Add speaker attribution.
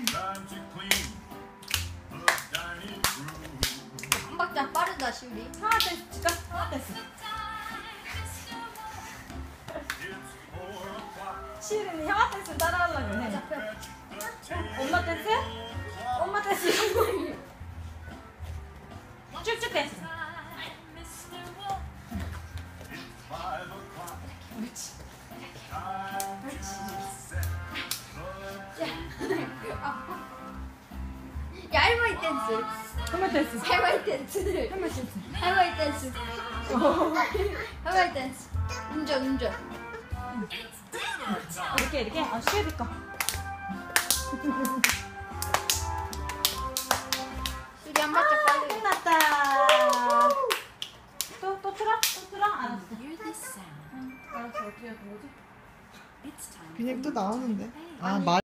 Speaker 1: 한 박자 빠르다 시우리.
Speaker 2: 하나 댄스 진짜 하나 댄스. 시우리는 형아 댄스 따라하려고 해. 엄마 댄스? 엄마 댄스. 쭉쭉 댄스. 그렇지.
Speaker 1: 야 할머니 댄스.
Speaker 2: 엄마 댄스.
Speaker 1: 할머니 댄스.
Speaker 2: 할머니 댄스.
Speaker 1: 할머니 댄스. 할머니 댄스. 운전.
Speaker 2: 이렇게. 아 시우리 거.
Speaker 1: 시우리 한 박자 빨리.
Speaker 2: 끝났다. 또 틀어? 알았어. 알았어. 어떻게 해야 되지?
Speaker 3: 그냥 또 나오는데. 아, 말